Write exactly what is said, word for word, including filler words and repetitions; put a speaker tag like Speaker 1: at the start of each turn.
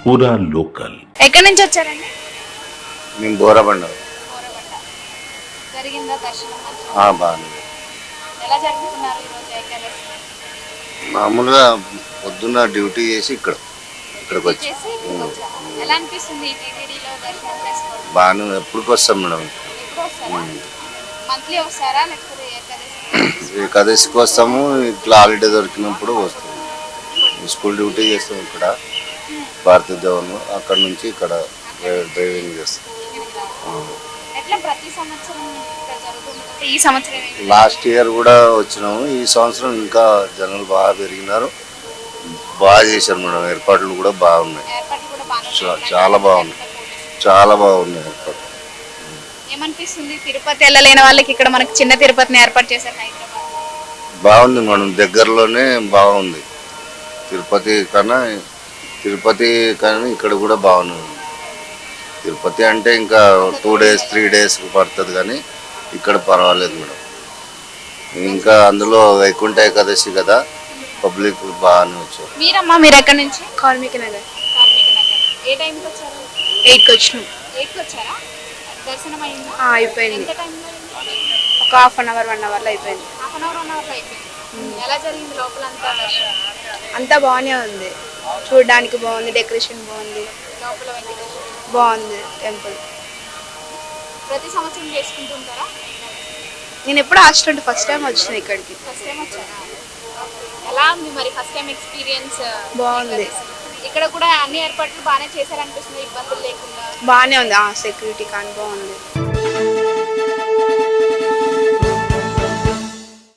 Speaker 1: పూరా లోకల్.
Speaker 2: ఎక్కడి నుంచి వచ్చారండి?
Speaker 3: మేము బోరబండ.
Speaker 2: బోరబండ. జరిగిందా దర్శనం?
Speaker 3: ఆ, బాగుంది.
Speaker 2: ఎలా జరుపుకున్నారు ఈరోజు ఏకాదశి?
Speaker 3: మామూలుగా పొద్దున్న డ్యూటీ చేసి ఇక్కడ ఇక్కడికి వచ్చి
Speaker 2: చేసి ఇక్కడికి వచ్చారా? ఎలా అనిపిస్తుంది ఈ టీటీడీలో దర్శనం చేసుకోవడం?
Speaker 3: బాగానే ఎప్పటికి వస్తాం మేడం.
Speaker 2: ఎప్పుడు వస్తారా? మంత్లీ వస్తారా లేకపోతే ఏకాదశి?
Speaker 3: ఏకాదశికి వస్తాము, ఇట్లా హాలిడే దొరికినప్పుడు వస్తాము. స్కూల్ డ్యూటీ చేస్తాం ఇక్కడ భారతీయ జవాన్లో, అక్కడ నుంచి ఇక్కడ డ్రైవింగ్ చేస్తాం.
Speaker 2: ఎట్లా ప్రతి సంవత్సరం ఇక్కడ జరుగుతుంది? ఈ సంవత్సరం ఏంటి?
Speaker 3: లాస్ట్ ఇయర్ కూడా వచ్చినాము. ఈ సంవత్సరం ఇంకా జనాలు బాగా పెరిగినారు, బాగా చేశారు మేడం. ఏర్పాట్లు కూడా బాగున్నాయి,
Speaker 2: ఏర్పాట్లు కూడా బాగా
Speaker 3: చా- చాలా బాగున్నాయి, చాలా బాగున్నాయి ఏర్పాట్లు.
Speaker 2: ఏమనిపిస్తుంది తిరుపతి వెళ్ళలేని వాళ్ళకి ఇక్కడ మనకి చిన్న తిరుపతిని ఏర్పాటు చేశారు హైదరాబాద్?
Speaker 3: బాగుంది మేడం, దగ్గరలోనే బాగుంది. తిరుపతి కన్నా తిరుపతి కానీ ఇక్కడ కూడా బాగుంది. తిరుపతి అంటే ఇంకా టూ డేస్ త్రీ డేస్ పడుతుంది, కానీ ఇక్కడ పర్వాలేదు మేడం. ఇంకా అందులో వైకుంఠ ఏకాదశి కదా, పబ్లిక్ బాగానే వచ్చారు.
Speaker 2: మీరమ్మా, మీరు ఎక్కడి నుంచి?
Speaker 4: కార్మిక నగర్
Speaker 2: కార్మిక నగర్. ఏ టైంకి వచ్చారు?
Speaker 4: ఎయిట్కి వచ్చినాం.
Speaker 2: ఎయిట్కి వచ్చారా? దర్శనం అయిందా?
Speaker 4: ఆ, అయిపోయింది.
Speaker 2: ఎంత టైంలో అయింది?
Speaker 4: ఒక హాఫ్ అన్ అవర్ వన్ అవర్లో అయిపోయింది.
Speaker 2: హాఫ్ అన్ అవర్ వన్ అవర్లో అయిపోయింది. ఎలా జరిగింది లోపలంతా దర్శనం?
Speaker 4: అంతా బాగానే ఉంది, చూడడానికి బాగుంది, డెకరేషన్ బాగుంది,
Speaker 2: లోపల వెంకటేశ్వర
Speaker 4: బాగుంది టెంపుల్.
Speaker 2: ప్రతి సంవత్సరం చేసుకుంటుంటారా?
Speaker 4: నేను ఎప్పుడు హాస్టల్ ఫస్ట్ టైం వచ్చిన ఇక్కడికి.
Speaker 2: ఫస్ట్ టైం వచ్చారా? ఎలా ఉంది మరి ఫస్ట్ టైం ఎక్స్పీరియన్స్?
Speaker 4: బాగుంది.
Speaker 2: ఇక్కడ కూడా అన్ని ఏర్పాట్లు బాగానే చేశారనిపిస్తుంది, ఇబ్బందులు లేకుండా.
Speaker 4: బాగానే ఉంది, ఆ సెక్యూరిటీ కానీ బాగుంది.